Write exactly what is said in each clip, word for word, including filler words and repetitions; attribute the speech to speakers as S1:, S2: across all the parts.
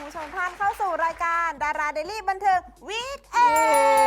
S1: คุณผู้ชมท่านเข้าสู่รายการดาราเดลี่บันเทิงวีคเอน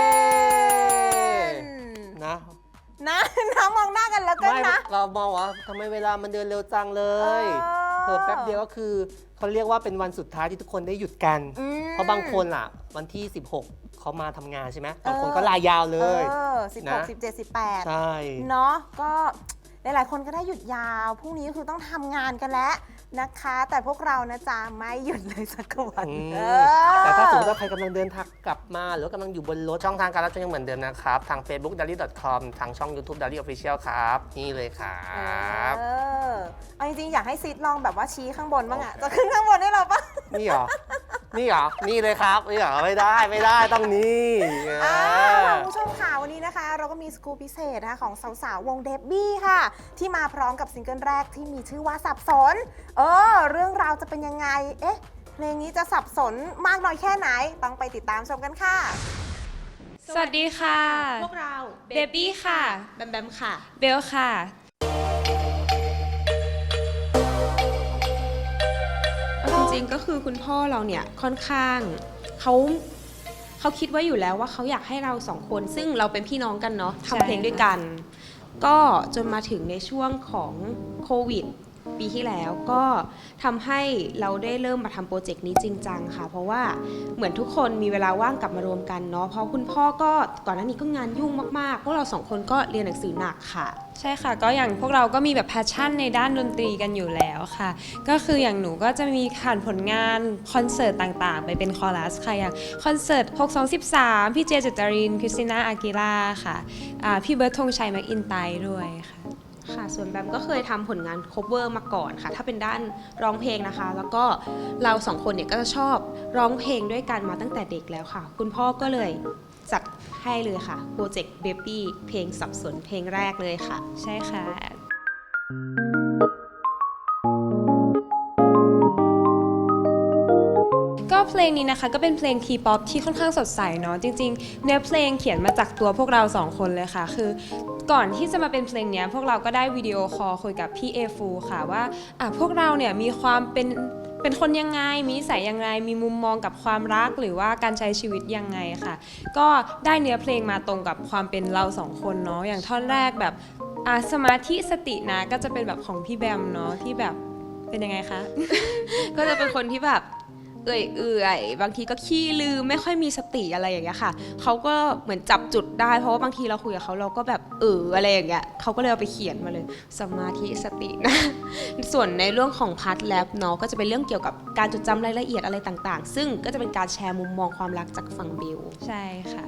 S2: นะ
S1: นะน้ำมองหน้ากันแล้วกันนะ
S2: เรามองว่าทำไมเวลามันเดินเร็วจังเลยเพิ่แป๊บเดียวก็คือเขาเรียกว่าเป็นวันสุดท้ายที่ทุกคนได้หยุดกันเพราะบางคนอ่ะวันที่สิบหกเขามาทำงานใช่ไหมบางคนก็ลายาวเลย
S1: สิบหก สิบเจ็ด สิบแปด
S2: ใช่
S1: เนาะก็หลายๆคนก็ได้หยุดยาวพรุ่งนี้คือต้องทำงานกันแล้วนะคะแต่พวกเรานะจ๊ะไม่หยุดเลยสักวัน
S2: แต่ถ้าสมมติว่าใครกำลังเดินทางกลับมาหรือกำลังอยู่บนรถช่องทางการรับชมยังเหมือนเดิมนะครับทาง เฟซบุ๊ก ดาลี่ ดอท คอม ทางช่อง ยูทูบ ดาลี่ ออฟฟิเชียล ครับนี่เลยครับ
S1: เออเอาจริงๆอยากให้ซีดลองแบบว่าชี้ข้างบนบ้างอะจะขึ้นข้างบนได้หรอปะ
S2: นี่เหรอนี่เหรอนี่เลยครับนี่เหรอไม่ได้ไม่ได้ต้องนี่
S1: คุณผู้ชมค่ะวันนี้นะคะเราก็มีสกู๊ปพิเศษนะคะของสาวๆวงเดบบี้ค่ะที่มาพร้อมกับซิงเกิลแรกที่มีชื่อว่าสับสนเออเรื่องราวจะเป็นยังไงเอ๊ะเพลงนี้จะสับสนมากน้อยแค่ไหนต้องไปติดตามชมกันค่ะ
S3: สวัสดีค่ะ
S1: พวกเรา
S3: เบบี้ค่ะ
S1: แบมแบมค่ะ
S3: เบลค่ะ
S4: จริงๆก็คือคุณพ่อเราเนี่ยค่อนข้างเขาเขาคิดไว้อยู่แล้วว่าเขาอยากให้เราสองคนซึ่งเราเป็นพี่น้องกันเนาะทำเพลงด้วยกันก็จนมาถึงในช่วงของโควิดปีที่แล้วก็ทำให้เราได้เริ่มมาทำโปรเจกต์นี้จริงจังค่ะเพราะว่าเหมือนทุกคนมีเวลาว่างกลับมารวมกันเนาะเพราะคุณพ่อก็ก่อนหน้านี้ก็งานยุ่งมากๆพวกเราสองคนก็เรียนหนังสือหนักค่ะ
S3: ใช่ค่ะก็อย่างพวกเราก็มีแบบแพชชั่นในด้านดนตรีกันอยู่แล้วค่ะก็คืออย่างหนูก็จะมีผ่านผลงานคอนเสิร์ตต่างๆไปเป็นคอรัสค่ะอย่างคอนเสิร์ตหก สอง สิบสามพี่เจเจตรินคริสติน่าอากิล่าค่ะพี่เบิร์ดธงชัยแม็กอินไตด้วยค่ะ
S4: ค่ะส่วนแบมก็เคยทำผลงาน cover มาก่อนค่ะถ้าเป็นด้านร้องเพลงนะคะแล้วก็เราสองคนเนี่ยก็จะชอบร้องเพลงด้วยกันมาตั้งแต่เด็กแล้วค่ะคุณพ่อก็เลยจัดให้เลยค่ะโปรเจกต์ Baby เพลงสับสนเพลงแรกเลยค่ะ
S3: ใช่ค่ะก็เพลงนี้นะคะก็เป็นเพลงทีป๊อปที่ค่อนข้างสดใสเนาะจริงๆเนื้อเพลงเขียนมาจากตัวพวกเราสองคนเลยค่ะคือก่อนที่จะมาเป็นเพลงนี้พวกเราก็ได้วิดีโอคอลคุยกับพี่เอฟูค่ะว่าอ่ะพวกเราเนี่ยมีความเป็นเป็นคนยังไงมีนิสัยยังไงมีมุมมองกับความรักหรือว่าการใช้ชีวิตยังไงค่ะก็ได้เนื้อเพลงมาตรงกับความเป็นเราสองคนเนาะอย่างท่อนแรกแบบอ่ะสมาธิสตินะก็จะเป็นแบบของพี่แบมเนาะที่แบบเป็นยังไงคะ
S4: ก็จะเป็นคนที่แบบเอื่อยเอื่อยบางทีก็ขี้ลืมไม่ค่อยมีสติอะไรอย่างเงี้ยค่ะเขาก็เหมือนจับจุดได้เพราะว่าบางทีเราคุยกับเขาเราก็แบบเอออะไรอย่างเงี้ยเขาก็เลยเอาไปเขียนมาเลยสมาธิสตินะส่วนในเรื่องของพาร์ทแรปเนาะก็จะเป็นเรื่องเกี่ยวกับการจดจำรายละเอียดอะไรต่างๆซึ่งก็จะเป็นการแชร์มุมมองความรักจากฝั่งเบล
S3: ใช่ค่ะ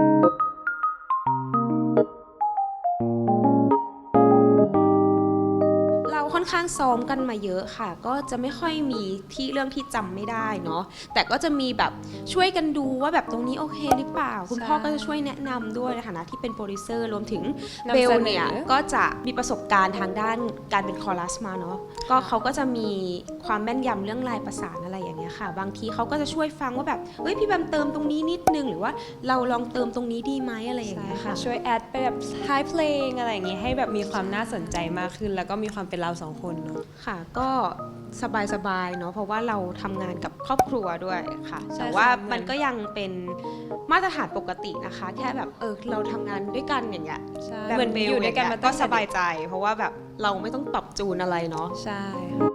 S4: ค่อนข้างซ้อมกันมาเยอะค่ะก็จะไม่ค่อยมีที่เรื่องที่จำไม่ได้เนาะแต่ก็จะมีแบบช่วยกันดูว่าแบบตรงนี้โอเคหรือเปล่าคุณพ่อก็จะช่วยแนะนำด้วยในฐานะที่เป็นโปรดิวเซอร์รวมถึงเบลเนี่ยก็จะมีประสบการณ์ทางด้านการเป็นคอรัสมาเนาะก็เขาก็จะมีความแม่นยำเรื่องลายประสานอะไรอย่างเงี้ยค่ะบางทีเขาก็จะช่วยฟังว่าแบบเฮ้ยพี่แบมเติมตรงนี้นิดนึงหรือว่าเราลองเติมตรงนี้ดีไหมอะไรอย่างเงี้ยค่ะ
S3: ช่วยแอดไปแบบท้ายเพลงอะไรอย่างงี้ให้แบบมีความน่าสนใจมากขึ้นแล้วก็มีความเป็นเราสองคนเนาะ
S4: ค่ะก็สบายๆเนาะเพราะว่าเราทำงานกับครอบครัวด้วยค่ะแต่ว่ามันก็ยังเป็นมาตรฐานปกตินะคะแค่แบบเออเราทำงานด้วยกันอย่างเงี้ย
S3: เหมือนอยู่ด้วยกันมา
S4: ก็สบายใจเพราะว่าแบบเราไม่ต้องปรับจูนอะไรเนาะ
S3: ใช่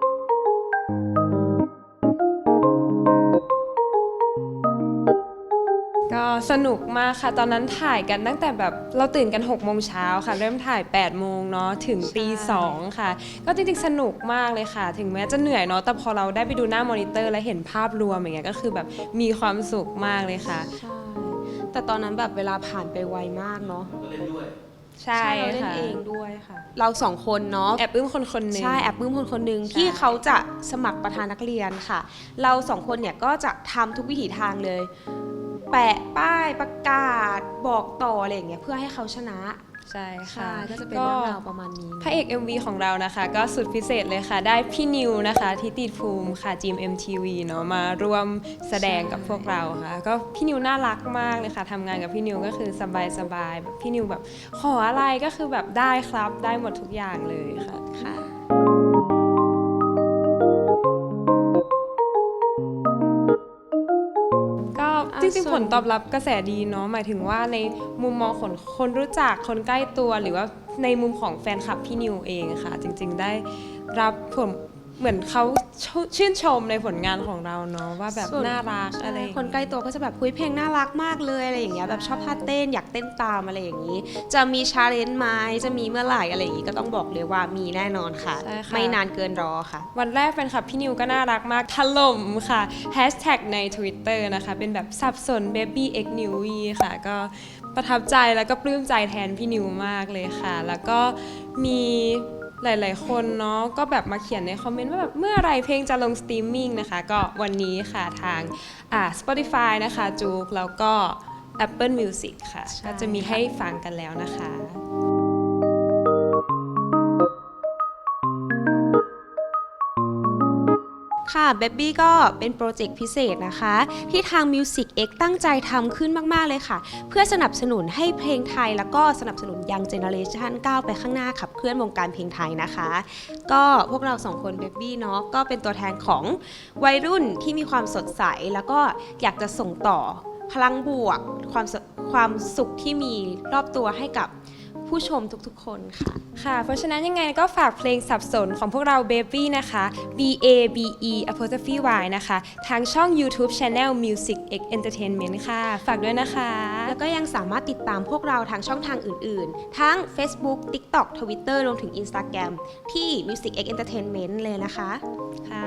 S3: ก็สนุกมากค่ะตอนนั้นถ่ายกันตั้งแต่แบบเราตื่นกันหกโมงเช้าค่ะเริ่มถ่ายแปดโมงเนาะถึงตีสองค่ะก็จริงๆสนุกมากเลยค่ะถึงแม้จะเหนื่อยเนาะแต่พอเราได้ไปดูหน้ามอนิเตอร์แล้วเห็นภาพรวมอย่างเงี้ยก็คือแบบมีความสุขมากเลยค่ะ
S4: ใช่แต่ตอนนั้นแบบเวลาผ่านไปไวมากเนาะ
S2: ก็เล่นด้วย
S4: ใช่เราเล่นเองด้วยค่ะเราสองคนเนาะ
S3: แอบปลื้มคนคนนึง
S4: ใช่แอบปลื้มคนคนนึงที่เขาจะสมัครประธานนักเรียนค่ะเราสองคนเนี่ยก็จะทำทุกวิถีทางเลยแปะป้ายประกาศบอกต่ออะไรอย่างเงี้ยเพื่อให้เขาชนะ
S3: ใช่ค่ะ
S4: ก็จะเป็นเรื่องราวประมาณนี้
S3: พระเอก เอ็ม วี ของเรานะคะก็สุดพิเศษเลยค่ะได้พี่นิวนะคะทิติภูมิค่ะจีม เอ็ม ที วี เนาะมาร่วมแสดงกับพวกเราค่ะก็พี่นิวน่ารักมากเลยค่ะทำงานกับพี่นิวก็คือสบายๆแบบพี่นิวแบบขออะไรก็คือแบบได้ครับได้หมดทุกอย่างเลยค่ะ
S4: ค่ะ
S3: ผลตอบรับกระแสดีเนาะหมายถึงว่าในมุมมองของคนรู้จักคนใกล้ตัวหรือว่าในมุมของแฟนคลับพี่นิวเองค่ะ จริงๆได้รับผลเหมือนเขาชื่นชมในผลงานของเราเนาะว่าแบบ
S4: ส่วน
S3: น่ารักอะไรอย่าง
S4: คน
S3: เงี้ย
S4: ใกล้ตัวก็จะแบบคุยเพลงน่ารักมากเลยอะไรอย่างเงี้ยแบบชอบท่าเต้นอยากเต้นตามอะไรอย่างนี้ จะมีชาเลนจ์ไหมจะมีเมื่อไหร่อะไรอย่างงี้ก็ต้องบอกเลยว่ามีแน่นอนค่ะ
S3: ใช่ค่ะ
S4: ไม่นานเกินรอค่ะ
S3: วันแรกแฟนคลับพี่นิวก็น่ารักมากถล่มค่ะแฮชแท็กใน Twitter นะคะเป็นแบบสับสน baby x n e w ค่ะ ก็ประทับใจแล้วก็ปลื้มใจแทนพี่นิวมากเลยค่ะ แล้วก็มีหลายๆคนเนาะก็แบบมาเขียนในคอมเมนต์ว่าแบบเมื่อไหรเพลงจะลงสตรีมมิ่งนะคะ ก็วันนี้ค่ะทางอ่า Spotify นะคะจูกแล้วก็ Apple Music ค่ะ
S4: ใช่
S3: ก็จะมีให้ฟังกันแล้วนะคะ
S4: ค่ะ Baby ก็เป็นโปรเจกต์พิเศษนะคะ ที่ทาง Music X ตั้งใจทำขึ้นมาก ๆ เลยค่ะ เพื่อสนับสนุนให้เพลงไทย แล้วก็สนับสนุนยังเจเนอเรชันก้าวไปข้างหน้าขับเคลื่อนวงการเพลงไทยนะคะ ก็พวกเราสองคน Baby เนาะก็เป็นตัวแทนของวัยรุ่นที่มีความสดใส แล้วก็อยากจะส่งต่อพลังบวก ความสความสุขที่มีรอบตัวให้กับผู้ชมทุกๆ คนค่ะ
S3: ค่ะ เพราะฉะนั้นยังไงก็ฝากเพลงสับสนของพวกเรา Baby นะคะ B A B E apostrophe Y นะคะ ทางช่อง YouTube Channel Music X Entertainment ค่ะ ฝากด้วยนะคะ
S4: แล้วก็ยังสามารถติดตามพวกเราทางช่องทางอื่นๆ ทั้ง Facebook TikTok Twitter รวมถึง Instagram ที่ Music X Entertainment เลยนะคะ
S3: ค่ะ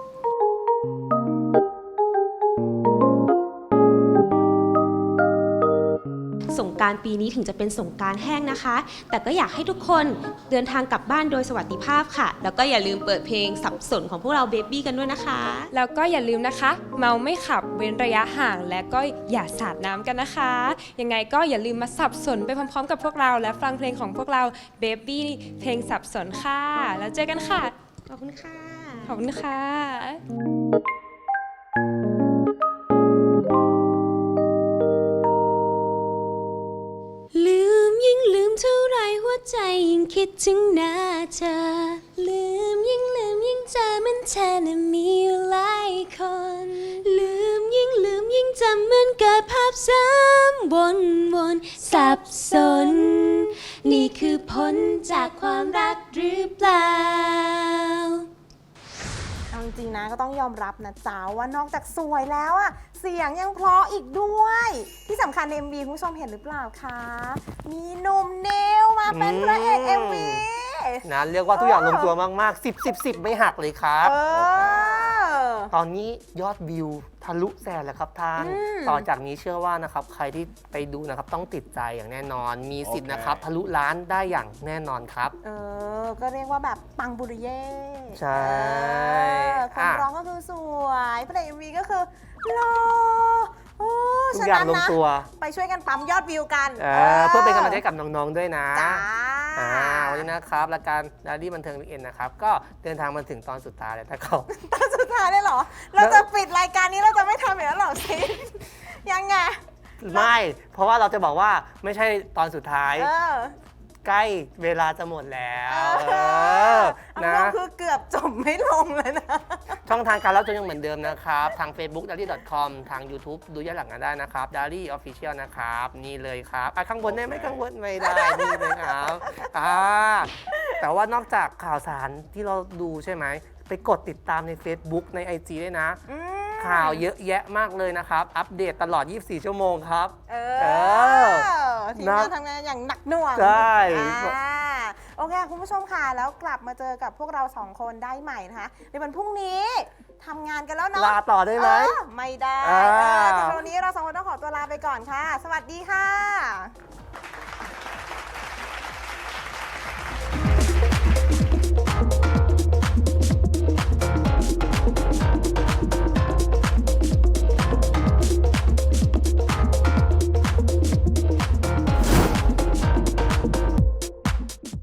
S4: สงกรานต์ปีนี้ถึงจะเป็นสงกรานต์แห้งนะคะ แต่ก็อยากให้ทุกคนเดินทางกลับบ้านโดยสวัสดิภาพค่ะ แล้วก็อย่าลืมเปิดเพลงสับสนของพวกเราเบบี้กันด้วยนะคะ
S3: แล้วก็อย่าลืมนะคะ เมาไม่ขับเว้นระยะห่าง และก็อย่าสาดน้ำกันนะคะ ยังไงก็อย่าลืมมาสับสนไปพร้อมๆกับพวกเรา และฟังเพลงของพวกเรา Baby เพลงสับสนค่ะ แล้วเจอกันค่ะ
S4: ขอบคุณค่ะ
S3: ขอบคุณค่ะ
S4: ลืมยิ่งลืมเท่าไรหัวใจยิ่งคิดถึงหน้าเธอ ลืมยิ่งลืมยิ่งเจอมันเธอน่ะมีอยู่หลายคน ลืมยิ่งลืมยิ่งจำเหมือนเกิดภาพซ้ำวนวนสับสน นี่คือผลจากความรักหรือเปล่า
S1: เอาจริงๆนะก็ต้องยอมรับนะจ๊ะว่านอกจากสวยแล้วอะเสียงยังเพราะอีกด้วย ที่สำคัญใน เอ็ม วี คุณผู้ชมเห็นหรือเปล่าคะ มีหนุ่มเนวมาเป็นพระเอก เอ็ม วี
S2: นะเรียกว่าทุกอย่างลงตัวมากๆ สิบ สิบ สิบ ไม่หักเลยครับ
S1: เออ
S2: ตอนนี้ยอดวิวทะลุแสนแล้วครับท่าน
S1: อืม
S2: ต่อจากนี้เชื่อว่านะครับใครที่ไปดูนะครับต้องติดใจอย่างแน่นอน มีสิทธิ์นะครับทะลุล้านได้อย่างแน่นอนครับ
S1: เออ ก็เรียกว่าแบบปังบุริเย่
S2: ใช่
S1: เออคน
S2: อ่ะ
S1: ร้องก็คือสวยพระเอก เอ็ม วี ก็คือหล่อโอ้
S2: ทุก
S1: ฉะ
S2: อย่าง
S1: นั้น
S2: ลง
S1: นะ
S2: ตัว
S1: ไปช่วยกันปั๊มยอดวิวกัน
S2: เออเพื่อเป็นกำลังใจให้กับน้องๆด้วยนะ
S1: จ้า
S2: อ่าวันนี้นะครับรายการดารี่บันเทิงวิกเอ็นนะครับก็เดินทางมาถึงตอนสุดท้ายแล้วถ้าเขา
S1: ตอนสุดท้ายได้เหรอ เราจะปิดรายการนี้เราจะไม่ทำอย่างนั้นหรอซิยังไง
S2: ไม่ เพราะว่าเราจะบอกว่าไม่ใช่ตอนสุดท้าย
S1: เออ
S2: ใกล้เวลาจะหมดแล้ว
S1: เอ
S2: เออ
S1: เอา
S2: นะ
S1: ก็คือเกือบจบไม่ลงเลยนะ
S2: ช่องทางการรับชมยังเหมือนเดิมนะครับ ทาง Facebook ดารี่ ดอท คอม ทาง YouTube ดูย้อนหลังกันได้นะครับ ดารี่ Official นะครับ นี่เลยครับอ่ะข้างบนได้ไหมข้างบนไม่ได้ นี่เลยครับอ่าแต่ว่านอกจากข่าวสารที่เราดูใช่ไหม ไปกดติดตามใน Facebook ใน ไอ จี ด้วยนะ
S1: อืม
S2: ข่าวเยอะแยะมากเลยนะครับ อัปเดตตลอด ยี่สิบสี่ ชั่วโมงครับ
S1: เอ
S2: เอ
S1: อ
S2: อ
S1: ทีมงานทำงานอย่างหนักหน่วง
S2: ใช่
S1: อ่าโอเค คุณผู้ชมค่ะแล้วกลับมาเจอกับพวกเราสองคนได้ใหม่นะคะในวันพรุ่งนี้ทำงานกันแล้วเนาะ
S2: ลาต่อได้ไหม
S1: เออไม่ได้
S2: อ่า
S1: เออแต่วันนี้เราสองคนต้องขอตัวลาไปก่อนค่ะ สวัสดีค่ะ